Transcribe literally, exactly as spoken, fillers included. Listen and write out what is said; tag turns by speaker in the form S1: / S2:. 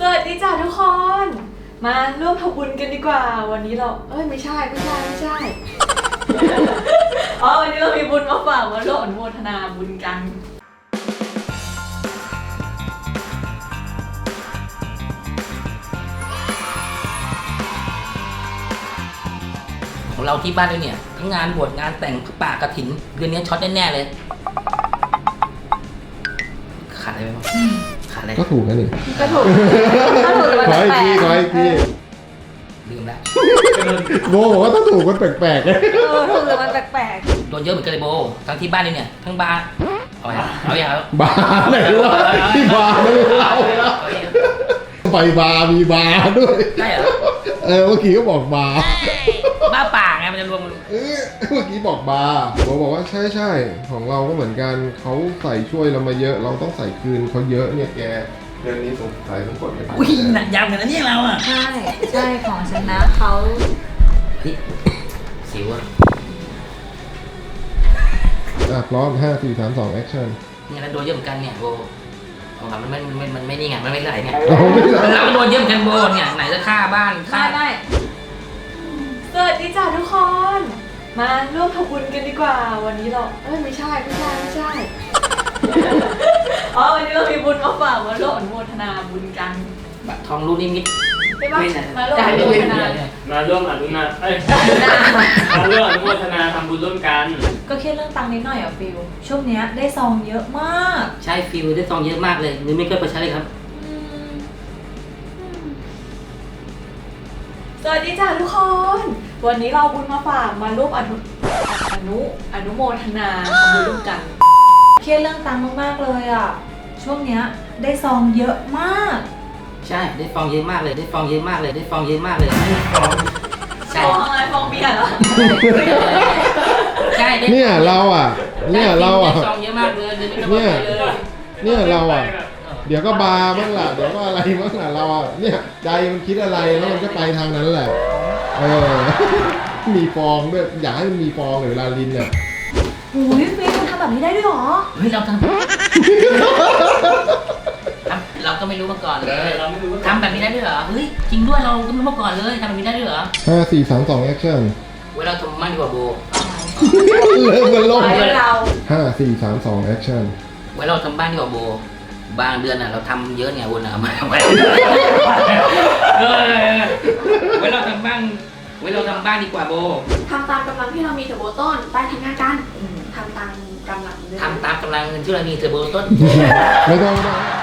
S1: วัสดีจ้าทุกคนมาร่วมทำบุญกันดีกว่าวันนี้เราเอ้ยไม่ใช่ไม่ใช่ไม่ใช่ อ๋อวันนี้เรามีบุญมาฝากมาร่วมอนุโมทนาบุญกัน
S2: ของเราที่บ้านด้วยเนี่ยทั้งงานบวชงานแต่งป่ากระถินเดือนนี้ช็อตแน่ๆเลยขาดอะไรไหมวะขาดอะไร
S3: ก็ถูกนะนี่
S1: ก็ถูกก็ถูกแต่มัน
S3: ขออีก
S1: แปล
S3: ที
S1: ก
S3: ขออีกที
S2: ลืมแล้ว
S3: โบบอกว่าถ้าถูกมันแปลกๆเลย
S1: เออถูกแต่มันแปลก
S2: โดนเยอะเหมือนกันเลยโบทั้งที่บ้านด้วยเนี่ยทั้งบาร์เอาอย่างเอาอย่าง
S3: บาร์ไหนวะที่บาร์ไม่เราไปบาร์มีบาร์ด้วย
S2: ใช่เหรอ
S3: เออเมื่อกี้ก็บอกบาร์
S2: บ้าป่าไงมันจะรวม
S3: เออเมื่อกี้บอกบาร์โบบอกว่าใช่ใช่ของเราก็เหมือนกันเขาใส่ช่วยเรามาเยอะเราต้องใส่คืนเขาเยอะเนี่ยแกเดือนนี้สงสัยต้องกดกัน
S2: อุ้ยหนักยำกันนะเนี่ยเราอ่ะ
S1: ๆใช่ใช่ของฉันนะเขา
S2: พี่สิวอ่ะ
S3: อ่ะพร้อมห้าสี่สามสองแอคชั่น
S2: เนี่ยเราโดนเยอะเหมือนกันเนี่ยโบของเรามันไม่มันมันไม่นี่ไงมันไม่ไหลเนี่ย
S3: เราไม่ได้
S2: เราก็โดนเยอะเหมือนกันโบเนี่ยไหนจะฆ่าบ้านฆ่า
S1: ไม่ไม่สวัสดีจ้าทุกคน มาร่วมทำบุญกันดีกว่าวันนี้เราเอ้ยไม่ใช่ไม่ใช่ไม่ใช่ อ๋อวันนี้เรามีบุญมาฝากมาร่วมอนุโมทนาบุญกัน
S2: บัตรทองลูกนิมิต
S1: ใช่ปะ
S2: ไม่นะ
S1: มาร่วมอนุโมทนา
S4: มาร่วมอนุนาเอ้ย มาร่วมอนุโมทนาทำบุญร่วมกัน
S1: ก็เครียดเรื่องตังค์นิดหน่อยอ่ะฟิลช่วงเนี้ยได้ซองเยอะมาก
S2: ใช่ฟิลได้ซองเยอะมากเลยเงินไม่เคยไปใช้เลยครับ
S1: สวัสดีจ้าทุกคน วันนี้เราบุญมาฝากมาร่วมอนุอนุอนุโมทนาทำบุญร่วมกันเครียดเรื่องตังค์มากๆเลยอ่ะช่วงเนี้ยได้ซองเยอะมาก
S2: ใช่ได้ฟองเยอะมากเลยได้ฟองเยอะมากเลยได้ฟองเยอะมากเลย
S1: ฟ
S2: ใช่
S1: องอะไรฟองเบียร์เหรอ
S2: ใช่ได้
S3: เนี่ยเราอ่ะเนี่ยเราอ่ะ
S2: ได้ฟองเยอะมากเลยเดือนนี้ไม่ต้องไปเลย
S3: เนี่ยเราอ่ะ เดี๋ยวก็บาร์บ้างล่ะเดี๋ยวก็อะไรบ้างล่ะเราอ่ะเนี่ยใจมันคิดอะไรแล้วมันก็ไปทางนั้นแหละเออ มีฟองด้วยอยากให้มันมีฟองหรือเวลาลินเนี่ย
S1: โอ้ยฟิลทำแบบนี้ได้ด้วยเหรอ
S2: เฮ้ยเราทำทำเราก็ไม่รู้มาก่อนเลย
S4: เราไม่รู้ว่า
S2: ทำแบบนี้ได้ด้วยเหรอเฮ้ยจริงด้วยเราก็ไม่รู้มาก่อนเลยทำแบบนี้ได้ด้วยเหรอ
S3: ห้าสี่สามสองแอคชั่น
S2: เวลาทำมั่นดีกว่าโบ
S3: เริ่มกันลง
S1: ไปเรา
S3: ห้าสี่สามสองแอคชั่น
S2: เวลาเราทำบ้านดีกว่าโบบางเดือนอ่ะเราทำเยอะไงวนอ่ะมาไว้เวลาเราทำบ้านเวลาเราทำบ้านดีกว่าโบ
S5: ทำตามกำลังที่เรามีเถอะโบต้น ไปทำงานกันทำตามกำลังเลย
S2: ทำตามกำลังเงินที่เรามีเทอร์โบต้น
S3: ไม่ต้องไม่ต้อง